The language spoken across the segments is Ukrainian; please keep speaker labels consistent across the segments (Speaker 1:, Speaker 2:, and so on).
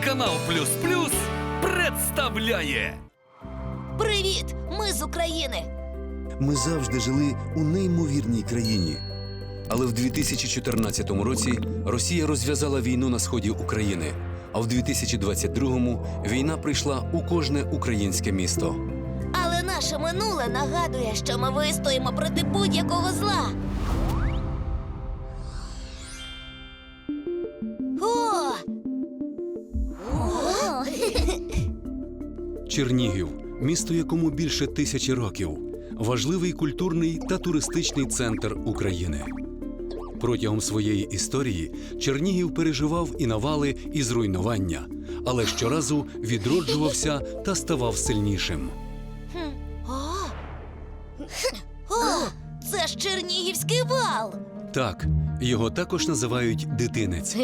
Speaker 1: Телеканал Плюс Плюс представляє.
Speaker 2: Привіт! Ми з України!
Speaker 3: Ми завжди жили у неймовірній країні. Але в 2014 році Росія розв'язала війну на сході України, а в 2022-му війна прийшла у кожне українське місто.
Speaker 2: Але наше минуле нагадує, що ми вистоїмо проти будь-якого зла. О!
Speaker 3: Чернігів – місто, якому більше 1000 років. Важливий культурний та туристичний центр України. Протягом своєї історії Чернігів переживав і навали, і зруйнування, але щоразу відроджувався та ставав сильнішим.
Speaker 2: О! Це ж Чернігівський вал!
Speaker 3: Так, його також називають Дитинець.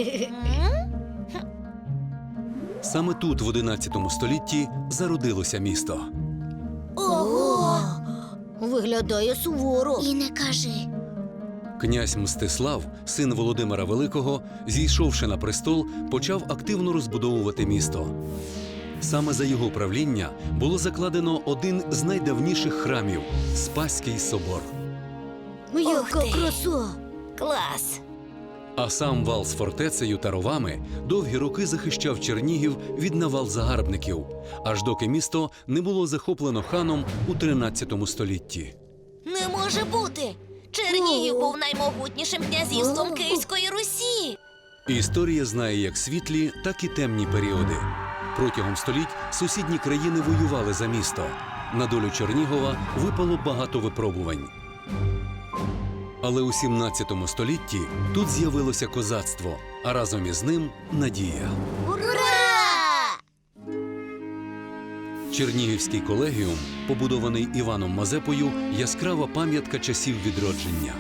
Speaker 3: Саме тут, в 11 столітті, зародилося місто.
Speaker 2: Ого! Виглядає суворо.
Speaker 4: І не кажи.
Speaker 3: Князь Мстислав, син Володимира Великого, зійшовши на престол, почав активно розбудовувати місто. Саме за його правління було закладено один з найдавніших храмів – Спаський собор.
Speaker 2: Яка краса! Клас!
Speaker 3: А сам вал з фортецею та ровами довгі роки захищав Чернігів від навал загарбників, аж доки місто не було захоплено ханом у 13 столітті.
Speaker 2: Не може бути! Чернігів був наймогутнішим князівством Київської Русі!
Speaker 3: Історія знає як світлі, так і темні періоди. Протягом століть сусідні країни воювали за місто. На долю Чернігова випало багато випробувань. Але у 17 столітті тут з'явилося козацтво, а разом із ним – надія.
Speaker 2: Ура!
Speaker 3: Чернігівський колегіум, побудований Іваном Мазепою, яскрава пам'ятка часів відродження.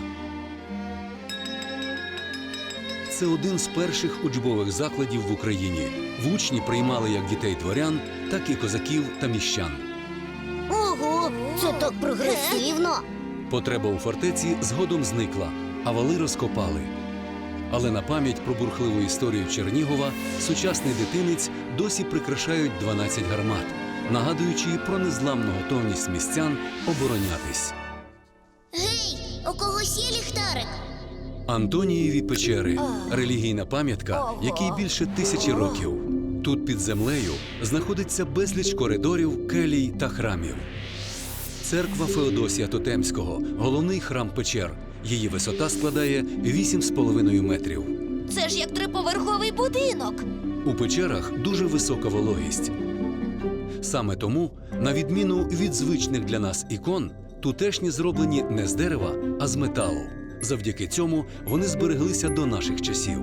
Speaker 3: Це один з перших учбових закладів в Україні. В учні приймали як дітей дворян, так і козаків та міщан.
Speaker 4: Ого, це так прогресивно.
Speaker 3: Потреба у фортеці згодом зникла, а вали розкопали. Але на пам'ять про бурхливу історію Чернігова сучасний Дитинець досі прикрашають 12 гармат, нагадуючи про незламну готовність містян оборонятись.
Speaker 4: Гей, у когось є ліхтарик?
Speaker 3: Антонієві печери – релігійна пам'ятка, якій більше 1000 років. Тут під землею знаходиться безліч коридорів, келій та храмів. Церква Феодосія Тотемського – головний храм печер. Її висота складає 8,5 метрів.
Speaker 2: Це ж як триповерховий будинок!
Speaker 3: У печерах дуже висока вологість. Саме тому, на відміну від звичних для нас ікон, тутешні зроблені не з дерева, а з металу. Завдяки цьому вони збереглися до наших часів.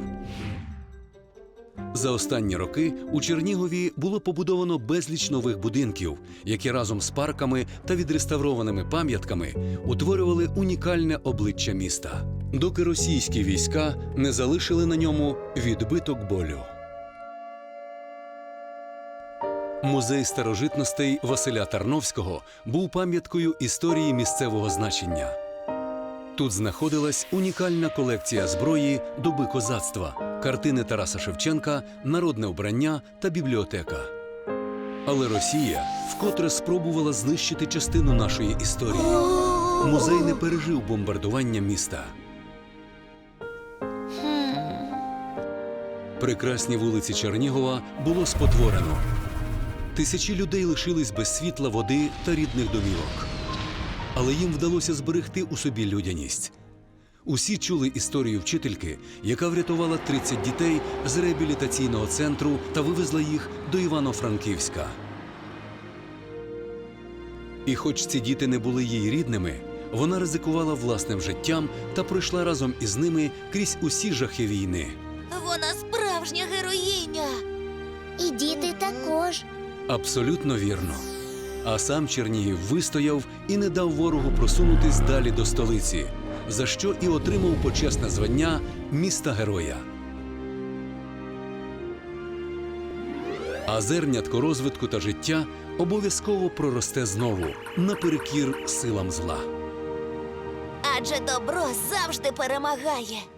Speaker 3: За останні роки у Чернігові було побудовано безліч нових будинків, які разом з парками та відреставрованими пам'ятками утворювали унікальне обличчя міста, доки російські війська не залишили на ньому відбиток болю. Музей старожитностей Василя Тарновського був пам'яткою історії місцевого значення. Тут знаходилась унікальна колекція зброї доби козацтва, картини Тараса Шевченка, народне вбрання та бібліотека. Але Росія вкотре спробувала знищити частину нашої історії. Музей не пережив бомбардування міста. Прекрасні вулиці Чернігова було спотворено. Тисячі людей лишились без світла, води та рідних домівок. Але їм вдалося зберегти у собі людяність. Усі чули історію вчительки, яка врятувала 30 дітей з реабілітаційного центру та вивезла їх до Івано-Франківська. І хоч ці діти не були їй рідними, вона ризикувала власним життям та пройшла разом із ними крізь усі жахи війни.
Speaker 2: Вона справжня героїня!
Speaker 4: І діти також.
Speaker 3: Абсолютно вірно. А сам Чернігів вистояв і не дав ворогу просунутись далі до столиці, за що і отримав почесне звання міста-героя. А зернятко розвитку та життя обов'язково проросте знову, наперекір силам зла.
Speaker 2: Адже добро завжди перемагає.